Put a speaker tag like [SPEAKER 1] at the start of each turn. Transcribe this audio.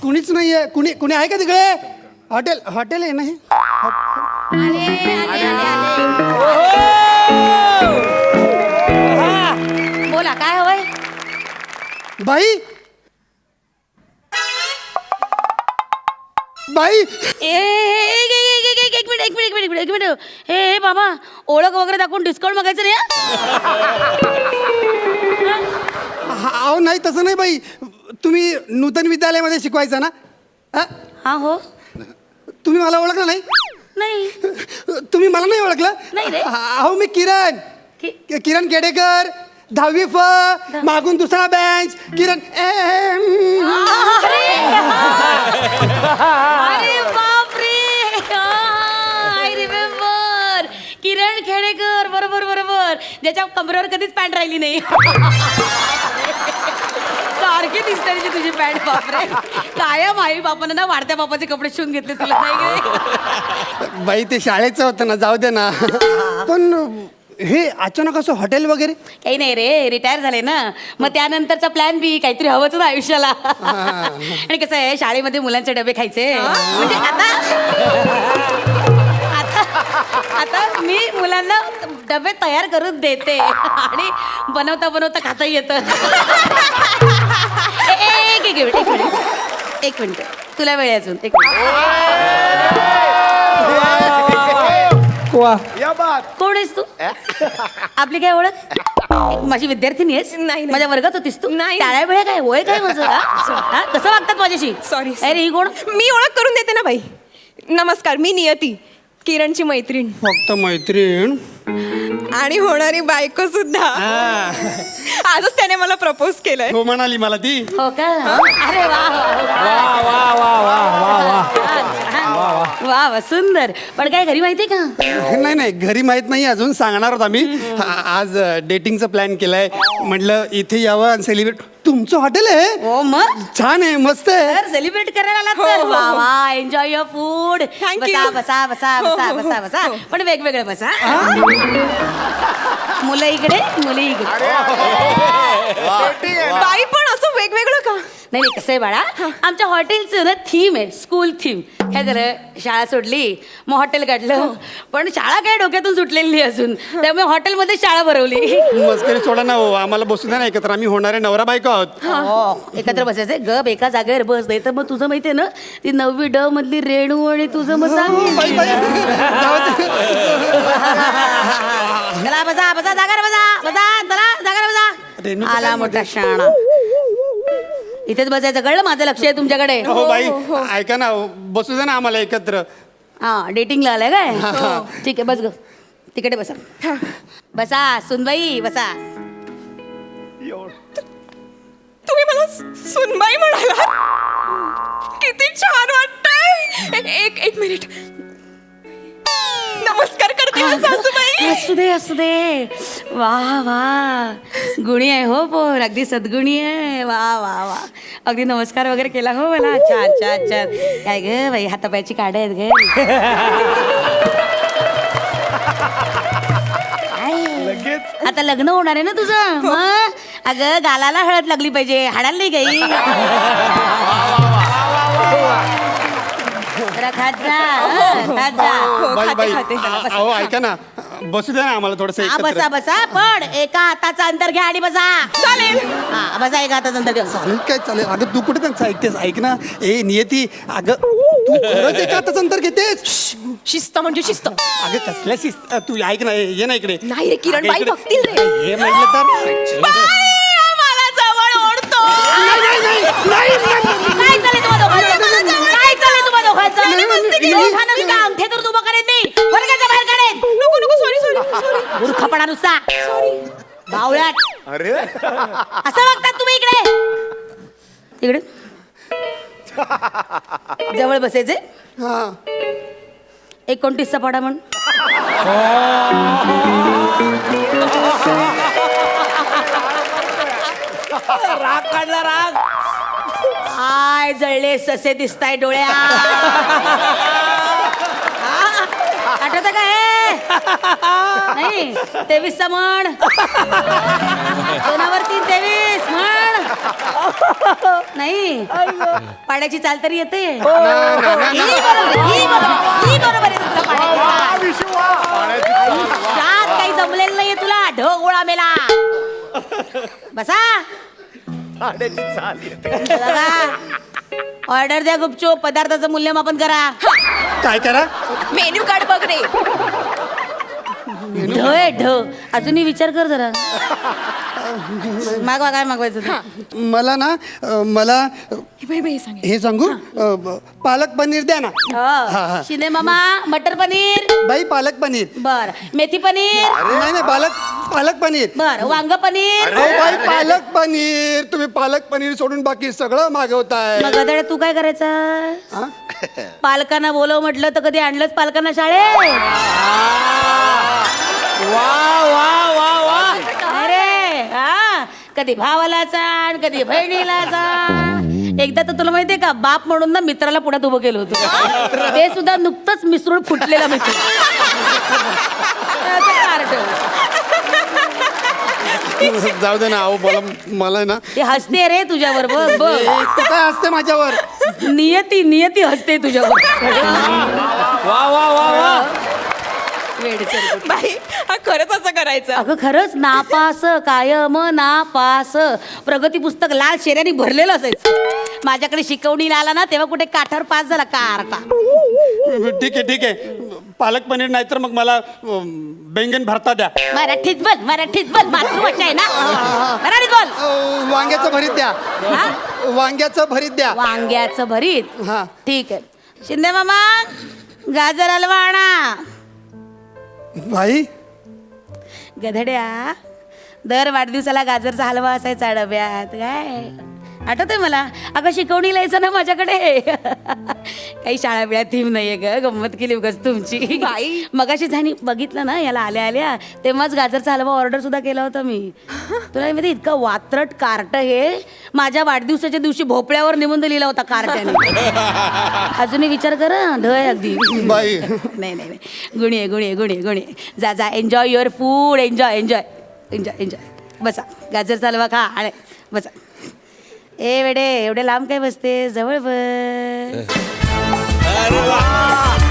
[SPEAKER 1] कुणीच नाहीये. कुणी आहे का तिकडे? हॉटेल आहे ना हे?
[SPEAKER 2] बोला काय हवंय?
[SPEAKER 1] बाई
[SPEAKER 2] एक मिनिट हे बाबा, ओळख वगैरे दाखवून डिस्काउंट मागायचं नाही हं?
[SPEAKER 1] अहो नाही तसं नाही बाई. तुम्ही नूतन विद्यालयामध्ये शिकवायचं ना?
[SPEAKER 2] हा हो.
[SPEAKER 1] तुम्ही मला ओळखलं नाही?
[SPEAKER 2] नाही
[SPEAKER 1] तुम्ही मला नाही ओळखलं?
[SPEAKER 2] नाही रे.
[SPEAKER 1] अहो मी किरण
[SPEAKER 2] कि-
[SPEAKER 1] किरण केडेकर, 10वी फ, मागून दुसरा बेंच. किरण
[SPEAKER 2] अरे बापरे, आय रिमेंबर. किरण खेडेकर, बरोबर बरोबर, ज्याच्या कमरेवर कधीच पॅन्ट राहिली नाही. सारखी दिसते तुझी पॅन्ट. बापरे, कायम आई बापानं ना वाढत्या बापाचे कपडे शिवून घेतले तुला, नाही काय?
[SPEAKER 1] बाई ते शाळेचं होतं ना, जाऊ दे ना. पण हे अचानक असं हॉटेल वगैरे?
[SPEAKER 2] काही नाही रे, रिटायर झाले ना, मग त्यानंतरचा प्लॅन बी काहीतरी हवंच ना आयुष्याला. आणि कसं आहे, शाळेमध्ये मुलांचे डबे खायचे म्हणजे आता मी मुलांना डबे तयार करून देते आणि बनवता बनवता खाता येतं. एक मिनिट तुला वेळ आहे अजून. एक कोण आहेस तू? आपली काय ओळख? माझी विद्यार्थिनी आहेस?
[SPEAKER 3] नाही.
[SPEAKER 2] माझ्या वर्गात होतीस तू?
[SPEAKER 3] नाही.
[SPEAKER 2] टाळ्या वेळ काय, वय काय माझं? हा? कसं वागतात माझ्याशी?
[SPEAKER 3] सॉरी.
[SPEAKER 2] अरे ही कोण?
[SPEAKER 3] मी ओळख करून देते ना बाई. नमस्कार, मी नियती, किरणची मैत्रीण
[SPEAKER 1] फक्त मैत्रीण
[SPEAKER 3] आणि होणारी बायको सुद्धा. आजच त्याने मला प्रपोज केलंय.
[SPEAKER 1] हो म्हणाली मला ती.
[SPEAKER 2] हो का? अरे वा वा वा, सुंदर. पण काय घरी माहितीये का?
[SPEAKER 1] नाही घरी माहित नाही अजून. सांगणार होत आम्ही. आज डेटिंगचा प्लॅन केलाय. म्हटलं इथे यावं आणि सेलिब्रेट. तुमचं हॉटेल आहे?
[SPEAKER 2] हो मग
[SPEAKER 1] छान आहे, मस्त आहे.
[SPEAKER 2] तर सेलिब्रेट करायला आलात
[SPEAKER 3] हो,
[SPEAKER 2] तर
[SPEAKER 3] हो,
[SPEAKER 2] वा
[SPEAKER 3] हो.
[SPEAKER 2] वा, एन्जॉय युअर फूड.
[SPEAKER 3] Thank
[SPEAKER 2] बसा
[SPEAKER 3] you.
[SPEAKER 2] बसा बसा
[SPEAKER 3] हो,
[SPEAKER 2] बसा
[SPEAKER 3] हो,
[SPEAKER 2] बसा
[SPEAKER 3] हो,
[SPEAKER 2] बसा,
[SPEAKER 3] हो.
[SPEAKER 2] पण वेगवेगळे बसा. मुलं इकडे, मुली इकडे.
[SPEAKER 3] बाई पण असं वेगवेगळं का?
[SPEAKER 2] नाही नाही, कसं आहे बाळा, आमच्या हॉटेलचं ना थीम आहे, स्कूल थीम. काय झालं, शाळा सोडली मग हॉटेल काढलं, पण शाळा काय डोक्यातून सुटलेली नाही अजून, त्यामुळे हॉटेलमध्ये शाळा भरवली.
[SPEAKER 1] मस्करी सोडा ना हो, आम्हाला बसू द्या ना एकत्र. आम्ही होणारे नवरा बायको आहोत.
[SPEAKER 2] हो, एकत्र बसायचंय. गप एका जागेवर बस, नाही तर मग तुझं माहितीये ना, ती 9वी ड मधली रेणू आणि तुझं मग सांग. चला बसा बसा, जागार बसा बसा, चला जागार
[SPEAKER 1] रेणूचं
[SPEAKER 2] बसा. आला
[SPEAKER 1] काय
[SPEAKER 2] मोठा शाणा. इथेच बसायचं, कळलं? माझं लक्ष आहे तुमच्याकडे.
[SPEAKER 1] हो बाई, ऐका ना, बसू द्या ना आम्हाला एकत्र.
[SPEAKER 2] हा, डेटिंगला आलाय काय? ठीक आहे, बस ग, तिकडे बसा. बसा सुनबाई, बसा.
[SPEAKER 3] तुम्ही मला सुनबाई म्हणाला? किती छान वाटतंय. एक मिनिट, नमस्कार करते हा सासूबाई.
[SPEAKER 2] असू दे असू दे. वा वा, गुणी आहे हो पोर, अगदी सद्गुणी आहे. वा वा वा, अगदी नमस्कार वगैरे केला हो मला. छान छान छान. काय ग बाई, हातापायची काढ आहेत ग. आता लग्न होणार आहे ना तुझं, मग अगं गालाला हळद लागली पाहिजे, हाडाला नाही काही. जरा खात जा, खात जा.
[SPEAKER 1] बाई बाई,
[SPEAKER 3] खाते.
[SPEAKER 1] अहो ऐका ना, बसू द्या ना आम्हाला थोडस
[SPEAKER 2] हा, बसा बसा, पण एका हाताचा अंतर घ्या आणि बसा.
[SPEAKER 3] चालेल.
[SPEAKER 2] हा, बसा, एका हाताचा अंतर घ्या.
[SPEAKER 1] चालेल काय चालेल. अगं तू कुठे त्यांचं ऐकतेस? ऐक ना, ए नियती, अगं तू खरंच एका हाताचं अंतर घेतेस?
[SPEAKER 3] शिस्त म्हणजे शिस्त.
[SPEAKER 1] अगं कसल्या शिस्त? तू ऐक ना, ये ना इकडे.
[SPEAKER 3] नाही रे किरण,
[SPEAKER 1] अगं,
[SPEAKER 3] बाई
[SPEAKER 1] इकडे.
[SPEAKER 3] बघतील रे.
[SPEAKER 1] हे म्हटलं तर
[SPEAKER 3] मला जवळ ओढतो.
[SPEAKER 2] काय चालेल तुम्हा दोघांचं? काय चालेल तुम्हा दोघांचं? दोघांना मी काय अंगठ्यातून उभं करेन मी, वर्गाच्या बाहेर काढेन.
[SPEAKER 3] नको नको, सॉरी.
[SPEAKER 2] मूर्खपणा नुसता, बावळ्यात.
[SPEAKER 4] अरे
[SPEAKER 2] असं वागतात तुम्ही. इकडे जवळ बसायचे.
[SPEAKER 1] हा
[SPEAKER 2] 29चा पाडा म्हण.
[SPEAKER 4] राग काढला, राग.
[SPEAKER 2] आय जळले ससे दिसताय डोळ्या. आठवत का हे? नाही 23चा म्हण. 2 वर 3, 23 म्हण. नाही पाड्याची चाल तरी येते
[SPEAKER 1] ना, ना, ना,
[SPEAKER 2] ही
[SPEAKER 1] ना.
[SPEAKER 2] बरोबर आहे तुला पाड्याची चाल. आयुष्यात काही जमलेलं नाहीये तुला ढग गोळा मेला बसा ऑर्डर द्या गुपचूप पदार्थाचं मूल्यमापन करा
[SPEAKER 1] काय करा
[SPEAKER 3] मेन्यू कार्ड बघ रे.
[SPEAKER 2] ढ आहे ढ अजूनही विचार कर जरा मागवा काय मागवायचं ते?
[SPEAKER 1] मला ना मला
[SPEAKER 3] बाई बाई सांग.
[SPEAKER 1] हे सांगू पालक पनीर द्या ना हा, हा.
[SPEAKER 2] शिंदे मामा मटर पनीर
[SPEAKER 1] बाई पालक पनीर
[SPEAKER 2] बर मेथी पनीर
[SPEAKER 1] नाही नाही पालक पनीर
[SPEAKER 2] बर वांग पनीर
[SPEAKER 1] अहो बाई पालक पनीर तुम्ही पालक पनीर सोडून बाकी सगळं मागवताय
[SPEAKER 2] मग गदाड्या तू काय करायचं
[SPEAKER 1] हा?
[SPEAKER 2] पालकांना बोलव म्हटलं तर कधी आणलंच पालकांना शाळेत
[SPEAKER 4] वा वा वा वा
[SPEAKER 2] अरे हा कधी भावाला चाण कधी बहिणीला चाण एकदा तर तुला माहितीये का बाप म्हणून ना मित्राला पुढ्यात उभं केलं होतं ते सुद्धा नुकतंच मिसळून फुटलेला मित्र असं कार्ट.
[SPEAKER 1] जाऊ दे ना अहो मला मला ना
[SPEAKER 2] ते हसते रे तुझ्यावर बघ बघ
[SPEAKER 1] तू काय असते माझ्यावर
[SPEAKER 2] नियती हसते तुझ्यावर
[SPEAKER 4] वा वा वा वा
[SPEAKER 2] वेडसर.
[SPEAKER 3] बाई हा खरंच असं करायचं.
[SPEAKER 2] अगं खरंच नापास कायम नापास प्रगती पुस्तक लाल शेऱ्याने भरलेलं असायचं माझ्याकडे शिकवणीला आला ना तेव्हा कुठे काठावर पास झाला कारटा.
[SPEAKER 1] ठीक आहे पालक पनीर नाही तर मग मला बैंगन भरता द्या
[SPEAKER 2] मराठीत बोल मातृभाषा आहे ना मराठीत बोल.
[SPEAKER 1] वांग्याचं भरीत द्या
[SPEAKER 2] हा?
[SPEAKER 1] वांग्याचं भरीत द्या
[SPEAKER 2] वांग्याचं भरीत
[SPEAKER 1] हा
[SPEAKER 2] ठीक आहे शिंदे मामा गाजर हलवा आणा
[SPEAKER 1] भाई
[SPEAKER 2] गधड्या दर वाढदिवसाला गाजरचा हलवा असायचा डब्यात काय आठवतंय मला अगं शिकवणीला यायचं ना माझ्याकडे काही शाळा बिळा थीम नाहीये ग गंमत केली उगाच तुमची
[SPEAKER 3] बाई.
[SPEAKER 2] मगाशी झाली बघितलं ना याला आल्या तेव्हाच गाजरचा हलवा ऑर्डर सुद्धा केला होता मी तुला माहिती इतकं वात्रट कार्ट हे माझ्या वाढदिवसाच्या दिवशी भोपळ्यावर निबंध लिहिला होता कार्ट्याने अजूनही विचार कर ढ आहे अगदी
[SPEAKER 1] बाई
[SPEAKER 2] नाही गुणी आहे जा एन्जॉय युअर फूड एन्जॉय बसा गाजरचा हलवा खा आणि बसा ए वेडे एवढे लांब काय बसते जवळ बस
[SPEAKER 4] अरे वा